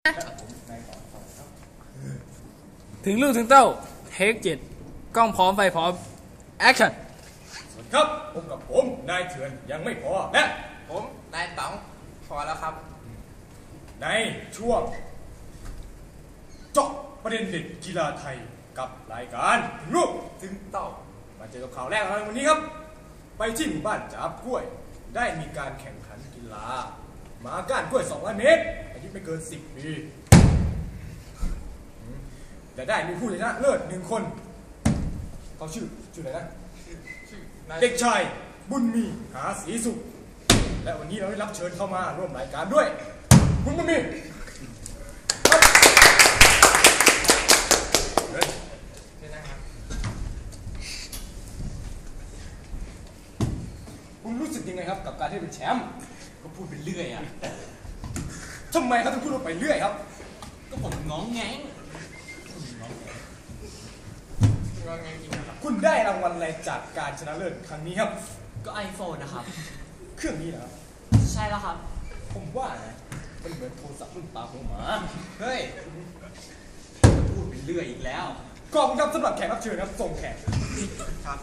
ถึงลูกถึงเต้าเทค7กล้องพร้อมไฟพร้อมแอคชั่นสวัสดีครับพบกับผมนายเถื่อนยังไม่พอและผมนายต๋องพอแล้วครับในช่วงเจาะประเด็นเด็ดกีฬาไทยกับรายการถึงลูกถึงเต้ามาเจอกับข่าวแรกในวันนี้ครับไปที่หมู่บ้านจับกล้วยได้มีการแข่งขันกีฬาหมาก้านกล้วย200 เมตรอายุไม่เกิน10 ปีแต่ได้มีผู้ชนะเลิศ1 คนเขาชื่ออะไรนะเด็กชายบุญมีหาศรีสุขและวันนี้เราได้รับเชิญเข้ามาร่วมรายการด้วยคุณบุญมีคุณรู้สึกยังไงครับกับการที่เป็นแชมป์ก็พูดไปเรื่อยอ่ะทำไมครับถึงพูดไปเรื่อยครับก็ผมง้องแงงคุณได้รางวัลอะไรจากการชนะเลิศครั้งนี้ครับก็ iPhone นะครับเครื่องนี้นะครับใช่แล้วครับผมว่านะมันเหมือนโทรศัพท์รุ่นตาของหมาเฮ้ยพูดไปเรื่อยอีกแล้วขอบคุณครับสำหรับแขกรับเชิญครับส่งแขกครับ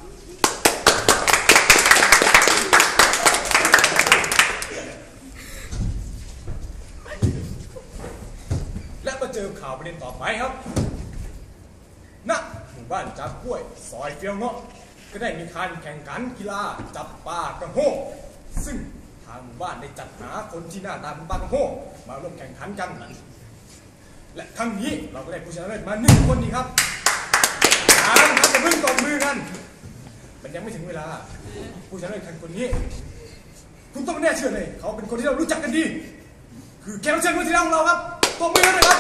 และมาเจอข่าวประเด็นต่อไปครับณหมู่บ้านจับกล้วยซอยเฟี้ยวเงาะก็ได้มีการแข่งขันกีฬาจับปลากระโฮกซึ่งทางหมู่บ้านได้จัดหาคนที่หน้าตาเป็นปลากระโฮกมาร่วมแข่งขันกันและครั้งนี้เราก็ได้ผู้ชนะเลิศมา1 คนนี้ครับจะเพิ่งตบมือกันมันยังไม่ถึงเวลาผู้ชนะเลิศคนนี้คุณต้องไม่แน่เชื่อเลยเขาเป็นคนที่เรารู้จักกันดีคือแขกรับเชิญคนที่เราของเราครับตบมือเลยครับ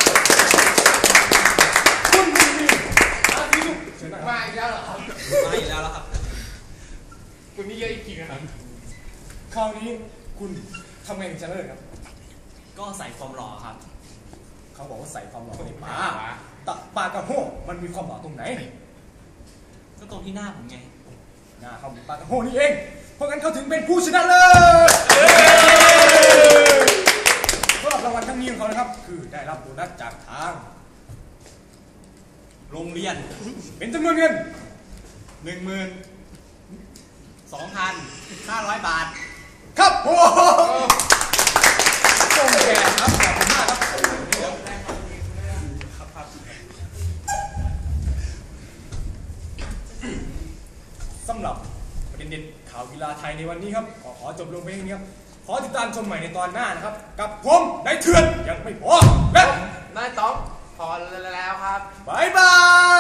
คุณบุญมีมาอีกแล้วเหรอครับมาอีกแล้วครับคุณนี่เยอะอีกทีนะครับคราวนี้คุณทำไงถึงชนะเลิศครับก็ใส่ความหล่อครับเขาบอกว่าใส่ความหล่อในปลาตักปลากระโฮกมันมีความหล่อตรงไหนก็ตรงที่หน้าผมไงหน้าเขาปลากระโฮกนี่เองเพราะงั้นเขาถึงเป็นผู้ชนะเลิศสำหรับรางวัลครั้งนี้ของเขานะครับคือได้รับโบนัสจากทางโรงเรียนเป็นจำนวนเงิน 12,500 บาทครับโอ้ส่งแก่ครับขอบคุณมากครับสำหรับประเด็นเด็ดข่าวกีฬาไทยในวันนี้ครับขอจบลงไปแค่นี้ครับขอติดตามชมใหม่ในตอนหน้านะครับกับผมนายเถื่อนยังไม่พอและนายต๋องพอแล้วครับบ๊ายบาย